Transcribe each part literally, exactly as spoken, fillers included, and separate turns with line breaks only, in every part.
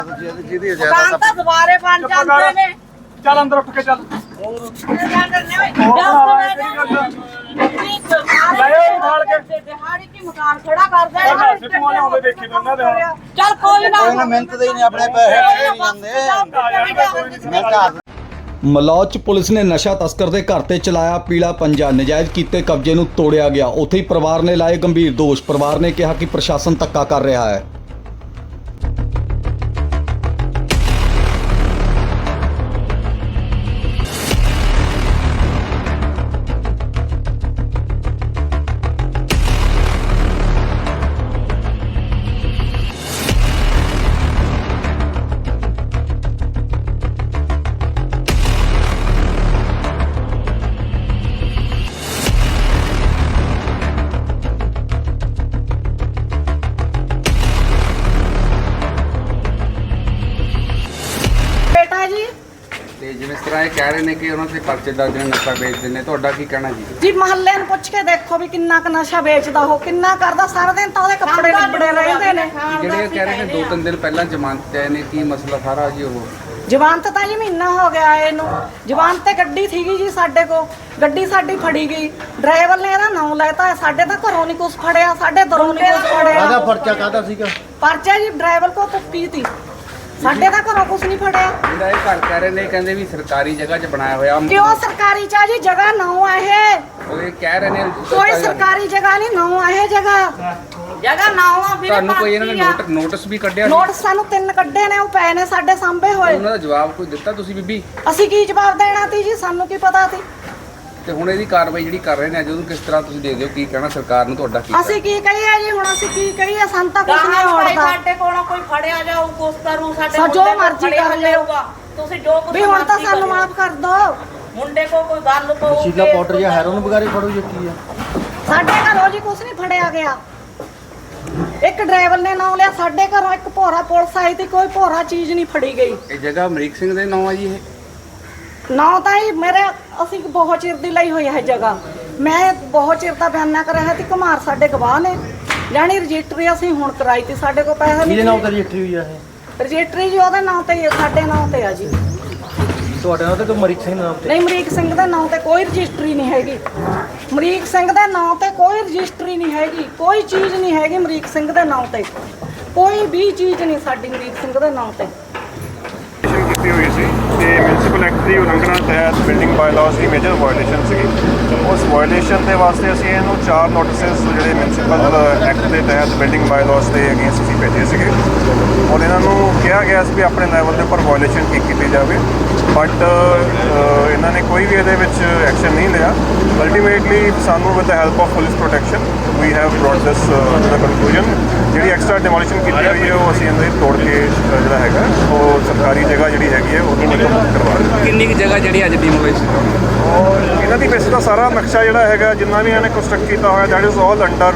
ਦੁਕਾਨ ਤਾਂ ਦੁਬਾਰੇ ਬਣ ਜਾਂਦੇ ਨੇ।
ਚੱਲ ਅੰਦਰ ਉੱਠ ਕੇ ਚੱਲ।
ਚੱਲ ਕੋਈ ਨਾ
ਮਿਹਨਤ ਦੇ ਨਹੀਂ ਆਪਣੇ ਪੈਸੇ ਨਹੀਂ ਜਾਂਦੇ।
ਮਲੌਦ ਪੁਲਿਸ ਨੇ ਨਸ਼ਾ ਤਸਕਰ ਦੇ ਘਰ ਤੇ ਚਲਾਇਆ ਪੀਲਾ ਪੰਜਾ। ਨਜਾਇਜ਼ ਕੀਤੇ ਕਬਜ਼ੇ ਨੂੰ ਤੋੜਿਆ ਗਿਆ। ਉੱਥੇ ਹੀ ਪਰਿਵਾਰ ਨੇ ਲਾਏ ਗੰਭੀਰ ਦੋਸ਼। ਪਰਿਵਾਰ ਨੇ ਕਿਹਾ ਕਿ ਪ੍ਰਸ਼ਾਸਨ ਧੱਕਾ ਕਰ ਰਿਹਾ ਹੈ।
ਤੇ ਜਿਵੇਂ ਇਸ ਤਰ੍ਹਾਂ ਇਹ ਕਹਿ ਰਹੇ ਨੇ ਕਿ ਉਹਨਾਂ ਦੇ ਪਰਚੇ ਦਰਜ ਨੇ, ਨਸ਼ਾ ਵੇਚਦੇ ਨੇ, ਤੁਹਾਡਾ ਕੀ ਕਹਿਣਾ ਜੀ?
ਜੀ ਮਹੱਲੇ ਨੂੰ ਪੁੱਛ ਕੇ ਦੇਖੋ ਵੀ ਕਿੰਨਾ ਕ ਨਸ਼ਾ ਵੇਚਦਾ ਉਹ, ਕਿੰਨਾ ਕਰਦਾ। ਸਾਰਾ ਦਿਨ ਤਾਂ ਉਹਦੇ ਕੱਪੜੇ ਕੱਪੜੇ ਰਹਿੰਦੇ ਨੇ।
ਜਿਹੜੇ ਕਹਿ ਰਹੇ ਨੇ ਦੋ ਤਿੰਨ ਦਿਨ ਪਹਿਲਾਂ ਜ਼ਮਾਨਤ ਆਏ ਨੇ, ਕੀ ਮਸਲਾ ਸਾਰਾ ਜੀ? ਉਹ
ਜ਼ਮਾਨਤ ਤਾਂ ਜੀ ਮਹੀਨਾ ਹੋ ਗਿਆ ਇਹਨੂੰ। ਜ਼ਮਾਨਤ ਤੇ ਗੱਡੀ ਸੀਗੀ ਜੀ ਸਾਡੇ ਕੋਲ, ਗੱਡੀ ਸਾਡੀ ਫੜੀ ਗਈ। ਡਰਾਈਵਰ ਨੇ ਇਹਦਾ ਨਾਮ ਲੈਤਾ। ਸਾਡੇ ਤਾਂ ਘਰੋਂ ਨਹੀਂ ਕੁਛ ਫੜਿਆ, ਸਾਡੇ ਦਰੋਂ ਨਹੀਂ ਕੁਛ ਫੜਿਆ।
ਕਾਹਦਾ ਪਰਚਾ ਕਾਹਦਾ ਸੀਗਾ?
ਪਰਚਾ ਜੀ ਡਰਾਈਵਰ ਕੋ ਪੁੱਕੀ ਤੀ, ਸਾਡੇ ਤਾਂ ਘਰੋਂ ਕੁਛ ਨਹੀਂ ਫੜਿਆ।
ਜਿਹੜਾ ਇਹ ਘਰ ਕਹਿ ਰਹੇ ਨੇ, ਕਹਿੰਦੇ ਵੀ ਸਰਕਾਰੀ ਜਗ੍ਹਾ 'ਚ ਬਣਾਇਆ ਹੋਇਆ।
ਕਿਉਂ ਸਰਕਾਰੀ ਚ ਆ ਜੀ? ਜਗ੍ਹਾ ਨਾ ਆ ਇਹ।
ਉਹ ਇਹ ਕਹਿ ਰਹੇ ਨੇ
ਕੋਈ ਸਰਕਾਰੀ ਜਗ੍ਹਾ ਨਹੀਂ, ਨਾ ਆ ਇਹ ਜਗ੍ਹਾ। ਜਗ੍ਹਾ ਨਾ ਆ ਵੀਰੇ।
ਤੁਹਾਨੂੰ ਕੋਈ ਇਹਨਾਂ ਨੇ ਨੋਟ ਨੋਟਿਸ ਵੀ ਕੱਢਿਆ?
ਨੋਟਿਸ ਸਾਨੂੰ ਤਿੰਨ ਕੱਢੇ ਨੇ, ਉਹ ਪਏ ਨੇ ਸਾਡੇ ਸਾਹਮਣੇ ਹੋਏ।
ਉਹਨਾਂ ਦਾ ਜਵਾਬ ਕੋਈ ਦਿੱਤਾ ਤੁਸੀਂ ਬੀਬੀ?
ਅਸੀਂ ਕੀ ਜਵਾਬ ਦੇਣਾ ਤੀ ਜੀ? ਸਾਨੂੰ ਕੀ ਪਤਾ ਤੀ।
ਤੇ ਹੁਣ ਇਹਦੀ ਕਾਰਵਾਈ ਜਿਹੜੀ ਕਰ ਰਹੇ ਨੇ ਜਦੋਂ ਕਿਸ ਤਰ੍ਹਾਂ ਤੁਸੀਂ ਦੇ ਦਿਓ, ਕੀ ਕਹਿਣਾ ਸਰਕਾਰ ਨੂੰ ਤੁਹਾਡਾ? ਕੀ
ਅਸੀਂ ਕੀ ਕਹੀਏ ਜੀ ਹੁਣ? ਅਸੀਂ ਕੀ ਕਹੀਏ? ਸਾਨੂੰ ਤਾਂ ਕੁਝ ਨਹੀਂ ਹੋੜਦਾ।
ਸਾਡੇ ਕੋਲੋਂ ਕੋਈ ਫੜਿਆ ਜਾਊ, ਕੁਛ ਕਰੂ, ਸਾਡੇ
ਸਾ ਜੋ ਮਰਜ਼ੀ ਕਰ ਲਿਓਗਾ
ਤੁਸੀਂ ਜੋ ਕੁਛ
ਵੀ ਹੁਣ ਤਾਂ ਸਾਨੂੰ ਮਾਫ ਕਰ ਦੋ।
ਮੁੰਡੇ ਕੋ ਕੋਈ ਗੱਲ ਕੋ
ਸ਼ੀਲਾ ਪਾਊਡਰ ਜਾਂ ਹੈਰੋਨ ਵਗੈਰੇ ਫੜੋ ਜੀ ਕੀ ਆ?
ਸਾਡੇ ਘਰੋਂ ਜੀ ਕੁਝ ਨਹੀਂ ਫੜਿਆ ਗਿਆ। ਇੱਕ ਡਰਾਈਵਰ ਨੇ ਨਾਮ ਲਿਆ ਸਾਡੇ ਘਰੋਂ, ਇੱਕ ਭੋਰਾ ਪੁਲਿਸ ਆਈ ਤੇ ਕੋਈ ਭੋਰਾ ਚੀਜ਼ ਨਹੀਂ ਫੜੀ ਗਈ।
ਇਹ ਜਗ੍ਹਾ ਅਮਰੀਕ ਸਿੰਘ ਦੇ ਨਾਂ ਆ ਜੀ? ਇਹ
ਨਾ ਤਾਂ ਹੀ ਮੇਰੇ ਅਸੀਂ ਬਹੁਤ ਚਿਰ ਦੀ ਲਈ ਹੋਈ ਹੈ ਜਗ੍ਹਾ। ਮੈਂ ਬਹੁਤ ਚਿਰ ਦਾ ਬਿਆਨਾ ਕਰ ਰਿਹਾ ਸੀ। ਕੁਮਾਰ ਸਾਡੇ ਗਵਾਹ ਨੇ, ਜਾਨੀ ਰਜਿਸਟਰੀ ਅਸੀਂ ਹੁਣ ਕਰਾਈ ਤੀ। ਸਾਡੇ ਕੋਲ ਪੈਸਾ ਨਹੀਂ।
ਕਿਹਦੇ ਨਾਮ ਤੇ ਰਜਿਸਟਰੀ ਹੋਈ ਆ ਇਹ?
ਰਜਿਸਟਰੀ ਜੀ ਉਹਦੇ ਨਾਮ ਤੇ ਹੀ, ਸਾਡੇ ਨਾਮ ਤੇ ਆ ਜੀ।
ਤੁਹਾਡੇ ਨਾਮ ਤੇ ਕਿ ਅਮਰੀਕ ਸਿੰਘ ਨਾਮ ਤੇ?
ਨਹੀਂ, ਅਮਰੀਕ ਸਿੰਘ ਦੇ ਨਾਮ ਤੇ ਕੋਈ ਰਜਿਸਟਰੀ ਨਹੀਂ ਹੈਗੀ। ਅਮਰੀਕ ਸਿੰਘ ਦੇ ਨਾਮ ਤੇ ਕੋਈ ਰਜਿਸਟਰੀ ਨਹੀਂ ਹੈਗੀ। ਕੋਈ ਚੀਜ਼ ਨਹੀਂ ਹੈਗੀ ਅਮਰੀਕ ਸਿੰਘ ਦੇ ਨਾਮ ਤੇ। ਕੋਈ ਵੀ ਚੀਜ਼ ਨਹੀਂ ਸਾਡੀ ਅਮਰੀਕ ਸਿੰਘ ਦੇ ਨਾਮ ਤੇ।
ਕੀਤੀ ਹੋਈ ਸੀ ਤੇ ਮਿਊਨਿਸਪਲ ਐਕਟ ਦੀ ਉਲੰਘਣਾ ਤਹਿਤ ਬਿਲਡਿੰਗ ਬਾਇਲਾਅਸ ਦੀ ਮੇਜਰ ਵਾਇਓਲੇਸ਼ਨ ਸੀਗੀ। ਉਸ ਵਾਇਓਲੇਸ਼ਨ ਦੇ ਵਾਸਤੇ ਅਸੀਂ ਇਹਨੂੰ ਚਾਰ ਨੋਟਿਸਸ ਜਿਹੜੇ ਮਿਊਨਿਸਪਲ ਐਕਟ ਦੇ ਤਹਿਤ ਬਿਲਡਿੰਗ ਬਾਇਲਾਅਸ ਦੇ ਅਗੇਂਸਟ ਅਸੀਂ ਭੇਜੇ ਸੀਗੇ ਔਰ ਇਹਨਾਂ ਨੂੰ ਕਿਹਾ ਗਿਆ ਸੀ ਵੀ ਆਪਣੇ ਲੈਵਲ ਦੇ ਉੱਪਰ ਵਾਇਓਲੇਸ਼ਨ ਕੀ ਕੀਤੀ ਜਾਵੇ, ਬਟ ਇਹਨਾਂ ਨੇ ਕੋਈ ਵੀ ਇਹਦੇ ਵਿੱਚ ਐਕਸ਼ਨ ਨਹੀਂ ਲਿਆ। ਅਲਟੀਮੇਟਲੀ ਸਾਨੂੰ with the help of police protection we have brought this to the conclusion. ਜਿਹੜੀ ਐਕਸਟਰਾ ਡਿਮੋਲੀਸ਼ਨ ਕੀਤੀ ਹੋਈ ਹੈ ਉਹ ਅਸੀਂ ਇਹਦੇ ਤੋੜ ਕੇ ਜਿਹੜਾ ਹੈਗਾ ਉਹ ਸਰਕਾਰੀ ਜਗ੍ਹਾ ਜਿਹੜੀ ਹੈਗੀ ਹੈ ਉਹਨੂੰ ਮੁਕੰਮਲ ਕਰਵਾ ਰਹੇ ਹਾਂ।
ਕਿੰਨੀ ਕੁ ਜਗ੍ਹਾ ਜਿਹੜੀ ਅੱਜ ਡਿਮੋਲਿਸ਼?
ਔਰ ਇਹਨਾਂ ਦੀ ਵੈਸੇ ਤਾਂ ਸਾਰਾ ਨਕਸ਼ਾ ਜਿਹੜਾ ਹੈਗਾ ਜਿੰਨਾ ਵੀ ਇਹਨਾਂ ਨੇ ਕੰਸਟਰਕਟ ਕੀਤਾ ਹੋਇਆ that is all under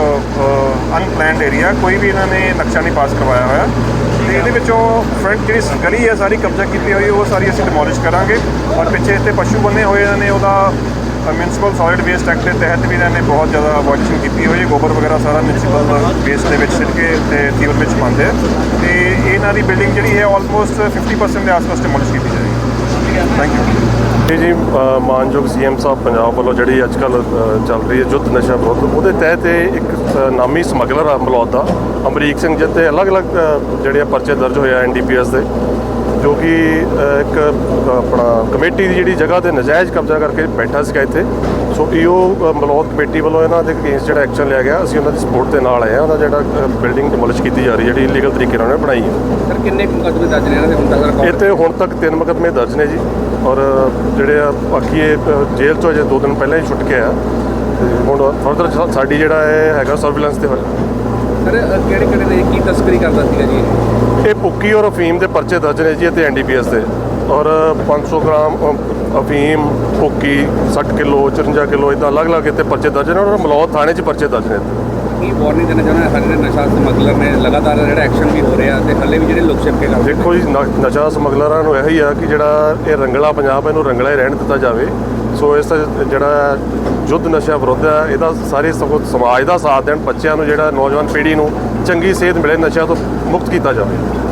unplanned area. ਕੋਈ ਵੀ ਇਹਨਾਂ ਨੇ ਨਕਸ਼ਾ ਨਹੀਂ ਪਾਸ ਕਰਵਾਇਆ ਹੋਇਆ ਤੇ ਇਹਦੇ ਵਿੱਚੋਂ ਫਰੰਟ ਜਿਹੜੀ ਗਲੀ ਹੈ ਸਾਰੀ ਕਬਜ਼ਾ ਕੀਤੀ ਹੋਈ ਉਹ ਸਾਰੀ ਅਸੀਂ ਡਿਮੋਲਿਸ਼ ਕਰਾਂਗੇ। ਔਰ ਪਿੱਛੇ ਇੱਥੇ ਪਸ਼ੂ ਬੰਨੇ ਹੋਏ ਇਹਨਾਂ ਨੇ ਉਹਦਾ ਮਿਊਨਿਸਪਲ ਸੋਲਿਡ ਵੇਸਟ ਐਕਟ ਦੇ ਤਹਿਤ ਵੀ ਇਹਨਾਂ ਨੇ ਬਹੁਤ ਜ਼ਿਆਦਾ ਵਾਇਓਲੇਸ਼ਨ ਕੀਤੀ ਹੋਈ ਹੈ। ਗੋਬਰ ਵਗੈਰਾ ਸਾਰਾ ਮਿਊਨਿਸਪਲ ਵੇਸਟ ਦੇ ਵਿੱਚ ਸਿੱਟ ਕੇ ਤੇ ਤੀਵਰ ਵਿੱਚ ਪਾਉਂਦੇ ਆ ਤੇ ਇਹਨਾਂ ਦੀ ਬਿਲਡਿੰਗ ਜਿਹੜੀ ਹੈ ਆਲਮੋਸਟ ਫਿਫਟੀ ਪਰਸੈਂਟ ਦੇ ਆਸ-ਪਾਸ ਡਿਮੋਲਿਸ਼ ਕੀਤੀ ਜਾਏਗੀ। ਥੈਂਕ ਯੂ
ਜੀ। ਮਾਨਯੋਗ ਸੀ ਐਮ ਸਾਹਿਬ ਪੰਜਾਬ ਵੱਲੋਂ ਜਿਹੜੀ ਅੱਜ ਕੱਲ੍ਹ ਚੱਲ ਰਹੀ ਹੈ ਯੁੱਧ ਨਸ਼ਾ ਵਿਰੁੱਧ, ਉਹਦੇ ਤਹਿਤ ਇੱਕ ਨਾਮੀ ਸਮਗਲਰ ਆ ਮਲੌਦ ਦਾ ਅਮਰੀਕ ਸਿੰਘ ਜੀ ਤੇ ਅਲੱਗ-ਅਲੱਗ ਜਿਹੜੇ ਪਰਚੇ ਦਰਜ ਹੋਏ ਆ ਐਨ ਡੀ ਪੀ ਐਸ ਦੇ, ਜੋ ਕਿ ਇੱਕ ਆਪਣਾ ਕਮੇਟੀ ਦੀ ਜਿਹੜੀ ਜਗ੍ਹਾ 'ਤੇ ਨਜਾਇਜ਼ ਕਬਜ਼ਾ ਕਰਕੇ ਬੈਠਾ ਸੀਗਾ ਇੱਥੇ। ਸੋ ਈ ਓ ਮਲੌਦ ਕਮੇਟੀ ਵੱਲੋਂ ਇਹਨਾਂ ਦੇ ਅਗੇਂਸਟ ਜਿਹੜਾ ਐਕਸ਼ਨ ਲਿਆ ਗਿਆ। ਅਸੀਂ ਉਹਨਾਂ ਦੀ ਸਪੋਰਟ ਦੇ ਨਾਲ ਆਏ ਹਾਂ। ਉਹਦਾ ਜਿਹੜਾ ਬਿਲਡਿੰਗ ਡਿਮੋਲਿਸ਼ ਕੀਤੀ ਜਾ ਰਹੀ ਜਿਹੜੀ ਇਲੀਗਲ ਤਰੀਕੇ ਨਾਲ ਉਹਨੇ ਬਣਾਈ ਹੈ।
ਸਰ ਕਿੰਨੇ ਮੁਕੱਦਮੇ ਦਰਜ ਨੇ ਇਹਨਾਂ ਦੇ ਹੁਣ ਤੱਕ?
ਇੱਥੇ ਹੁਣ ਤੱਕ ਤਿੰਨ ਮੁਕੱਦਮੇ ਦਰਜ ਨੇ ਜੀ ਔਰ ਜਿਹੜੇ ਆ ਬਾਕੀ ਇਹ ਜੇਲ੍ਹ 'ਚੋਂ ਅਜੇ ਦੋ ਦਿਨ ਪਹਿਲਾਂ ਹੀ ਛੁੱਟ ਕੇ ਆਇਆ ਤੇ ਹੁਣ ਫਰਦਰ ਸਾਡੀ ਜਿਹੜਾ ਇਹ ਹੈਗਾ ਸਰਵੀਲੈਂਸ ਤੇ ਹੋਇਆ।
ਸਰ ਕਿਹੜੇ ਕਿਹੜੇ ਨੇ ਕੀ ਤਸਕਰੀ ਕਰਦਾ ਸੀਗਾ ਜੀ?
ਇਹ ਭੁੱਕੀ ਔਰ ਅਫੀਮ ਦੇ ਪਰਚੇ ਦਰਜ ਨੇ ਜੀ ਅਤੇ ਐਨ ਡੀ ਪੀ ਐਸ ਦੇ ਔਰ ਪੰਜ ਸੌ ਗ੍ਰਾਮ ਅਫੀਮ, ਭੁੱਕੀ, ਸੱਠ ਕਿਲੋ, ਚੁਰੰਜਾ ਕਿਲੋ ਇੱਦਾਂ ਅਲੱਗ-ਅਲੱਗ ਇੱਥੇ ਪਰਚੇ ਦਰਜ ਨੇ ਔਰ ਮਲੌਦ ਥਾਣੇ 'ਚ ਪਰਚੇ ਦਰਜ ਨੇ।
ਕੀ ਵਾਰਨਿੰਗ ਦੇਣਾ ਚਾਹੁੰਦੇ ਸਾਡੇ ਨਸ਼ਾ ਸਮਗਲਰ ਨੇ ਲਗਾਤਾਰ ਜਿਹੜਾ ਐਕਸ਼ਨ ਵੀ ਹੋ ਰਿਹਾ ਤੇ ਹੱਲੇ ਵੀ ਜਿਹੜੇ ਲੋਕ ਛਿਪਕੇ ਕਰਦੇ?
ਦੇਖੋ ਜੀ, ਨਸ਼ਾ ਸਮਗਲਰਾਂ ਨੂੰ ਇਹੀ ਆ ਕਿ ਜਿਹੜਾ ਇਹ ਰੰਗਲਾ ਪੰਜਾਬ ਇਹਨੂੰ ਰੰਗਲਾ ਹੀ ਰਹਿਣ ਦਿੱਤਾ ਜਾਵੇ। ਸੋ ਇਸ ਜਿਹੜਾ ਯੁੱਧ ਨਸ਼ਾ ਵਿਰੁੱਧ ਹੈ ਇਹਦਾ ਸਾਰੇ ਸਮਾਜ ਦਾ ਸਾਥ ਦੇਣ, ਬੱਚਿਆਂ ਨੂੰ ਜਿਹੜਾ ਨੌਜਵਾਨ ਪੀੜ੍ਹੀ ਨੂੰ ਚੰਗੀ ਸੇਧ ਮਿਲੇ, ਨਸ਼ਿਆਂ ਤੋਂ ਮੁਕਤ ਕੀਤਾ ਜਾਵੇ।